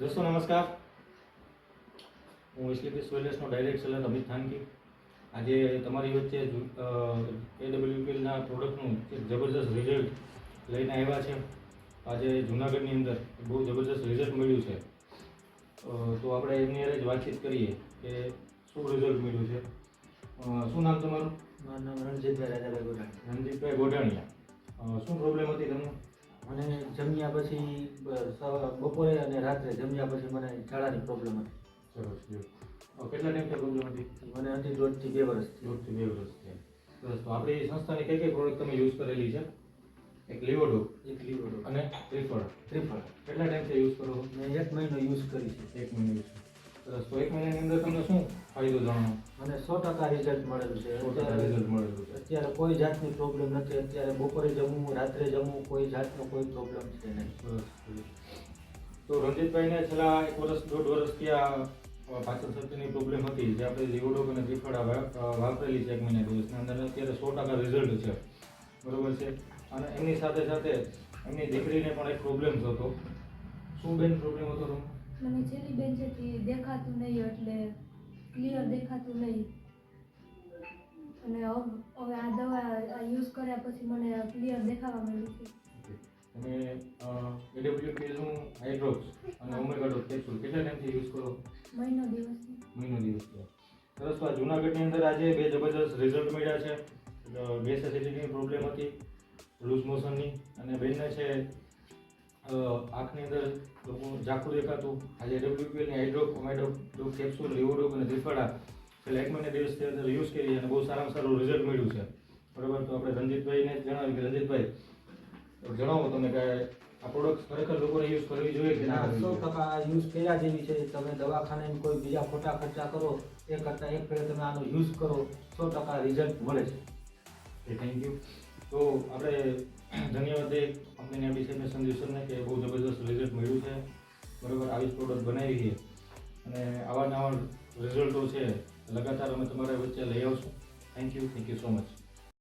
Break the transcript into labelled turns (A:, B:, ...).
A: दोस्तों नमस्कार, હું એસલીપી સોઇલેસનો ડાયરેક્ટ સેલર અમિત થાનકી આજે તમારી વચ્ચે એડબ્લ્યુપીએલના પ્રોડક્ટનું એક જબરદસ્ત રિઝલ્ટ લઈને આવ્યા છે. આજે જૂનાગઢની અંદર બહુ જબરદસ્ત રિઝલ્ટ મળ્યું છે. તો આપણે એમની હારે જ વાતચીત કરીએ કે શું રિઝલ્ટ મળ્યું છે. શું નામ તમારું?
B: મારું નામ રણજીતભાઈ રાજાભાઈ ગોઢાણી.
A: રણજીતભાઈ ગોઢાણીયા. શું પ્રોબ્લેમ હતી તમને?
B: મને જમ્યા પછી બપોરે અને રાત્રે જમ્યા પછી મને ઝાડાની પ્રોબ્લેમ હતી.
A: સરસ. કેટલા ટાઈમથી પ્રોબ્લેમ હતી?
B: મને હતી 1.5 થી 2 વર્ષ.
A: 1.5 થી 2 વર્ષ થયા. સરસ. તો આપણી સંસ્થાની કઈ કઈ પ્રોડક્ટ તમે યુઝ કરેલી છે? એક લીવોડો અને ત્રિફળ. કેટલા ટાઈમથી યુઝ કરો?
B: મેં 1 મહિનો યુઝ કરી છે.
A: 1 મહિનો યુઝ. સરસ. તો 1 મહિનાની અંદર તમને શું ફાયદો જાણો?
B: મને 100% રિઝલ્ટ મળેલું છે.
A: 100% રિઝલ્ટ મળેલું છે.
B: અત્યારે કોઈ જાતની પ્રોબ્લેમ નથી. અત્યારે બપોરે જમવું, રાત્રે જમવું, કોઈ જાતનો કોઈ પ્રોબ્લેમ છે નહીં.
A: સરસ. તો રણજીતભાઈને છેલ્લા 1 વર્ષ 1.5 વર્ષથી આ પાચન શક્તિની પ્રોબ્લેમ હતી, જે આપણે લીવોડો અને ત્રિફળ વાપરેલી છે 1 મહિના દિવસની અંદર. અત્યારે 100% રિઝલ્ટ છે, બરોબર છે. અને એમની સાથે સાથે એમની દીકરીને પણ એક પ્રોબ્લેમ થતો. શું બેન પ્રોબ્લેમ હતો તમને?
C: મને છેલ્લી બેન છે કે દેખાતું નહીં, એટલે ક્લિયર દેખાતું નહીં. અને હવે આ દવા યુઝ કર્યા પછી મને ક્લિયર દેખાવા માંડ્યું છે.
A: તમે એડબ્લ્યુપીએલનું હાઇડ્રોક્સ અને ઓમેગા કેપ્સ્યુલ કેટલા ટાઈમથી યુઝ કરો?
C: મહિનો દિવસથી.
A: મહિનો દિવસ થયો. સરસ. તો આ જૂનાગઢની અંદર આજે 2 જબરદસ્ત રિઝલ્ટ મળ્યા છે. ગેસ એસિડિટીની પ્રોબ્લેમ હતી, લૂઝ મોશનની, અને બેનને છે આંખની અંદર લોકો ઝાખું દેખાતું. આજે એડબ્લ્યુપીએલની હાઇડ્રોક ઓમેગા કેપ્સ્યુલ લીવોડોક અને ત્રિફળા છેલ્લા 1 મહિના દિવસથી અંદર યુઝ કરી અને બહુ સારામાં સારું રિઝલ્ટ મળ્યું છે, બરાબર. તો આપણે રણજીતભાઈને જણાવ્યું કે રણજીતભાઈ જણાવો તમે કે આ પ્રોડક્ટ ખરેખર લોકોને યુઝ કરવી જોઈએ કે ના?
B: 100% યુઝ કર્યા જેવી છે. તમે દવાખાને કોઈ બીજા ખોટા ખર્ચા કરો એ કરતાં એક ફેરે તમે આનો યુઝ કરો, 100% રિઝલ્ટ મળે છે.
A: Thank you. તો આપણે ધન્યવાદ દઈએ કંપનીની એમ્બેસેડર સંજીવ સરને કે બહુ જબરદસ્ત રિઝલ્ટ મળ્યું છે, બરાબર. આવી જ પ્રોડક્ટ બનાવી છે અને આવા નવા રિઝલ્ટો છે લગાતાર અમે તમારા વચ્ચે લઈ આવશું. Thank you so much.